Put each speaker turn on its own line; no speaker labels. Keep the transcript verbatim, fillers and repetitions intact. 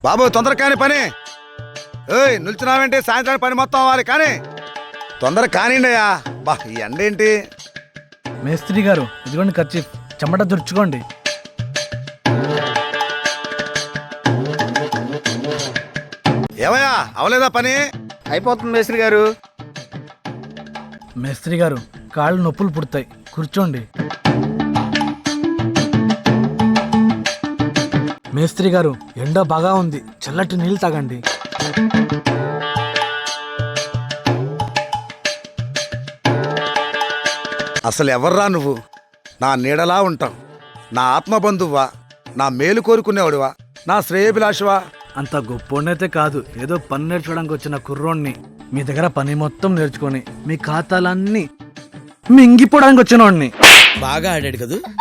బాబు తొందర కాని పని. ఏయ్ నిల్చున్నావేంటి? సాయంత్రానికి పని మొత్తం అవ్వాలి కానీ తొందర కానివ్వండి అయ్యా. బా ఈ ఎండ ఏంటి?
మేస్త్రి గారు ఇదిగోండి ఖర్చు, చెమట దుర్చుకోండి.
ఏమయ్యా అవలేదా పని?
అయిపోతుంది మేస్త్రి గారు.
మేస్త్రి గారు కాళ్ళు నొప్పులు పుడతాయి, కూర్చోండి. మేస్త్రి గారు ఎండ బాగా ఉంది, చల్లటి నీళ్ళు తాగండి.
అసలు ఎవర్రా నువ్వు? నా నీడలా ఉంటావు, నా ఆత్మబంధువా, నా మేలు కోరుకునేవాడువా, నా శ్రేయభిలాషవా?
అంత గొప్పోడైతే కాదు, ఏదో పని నేర్చుకోవడానికి వచ్చిన కుర్రోడిని. మీ దగ్గర పని మొత్తం నేర్చుకొని మీ ఖాతాలన్నీ మింగిపోవడానికి వచ్చిన వాడిని.
బాగా ఆడాడు కదూ.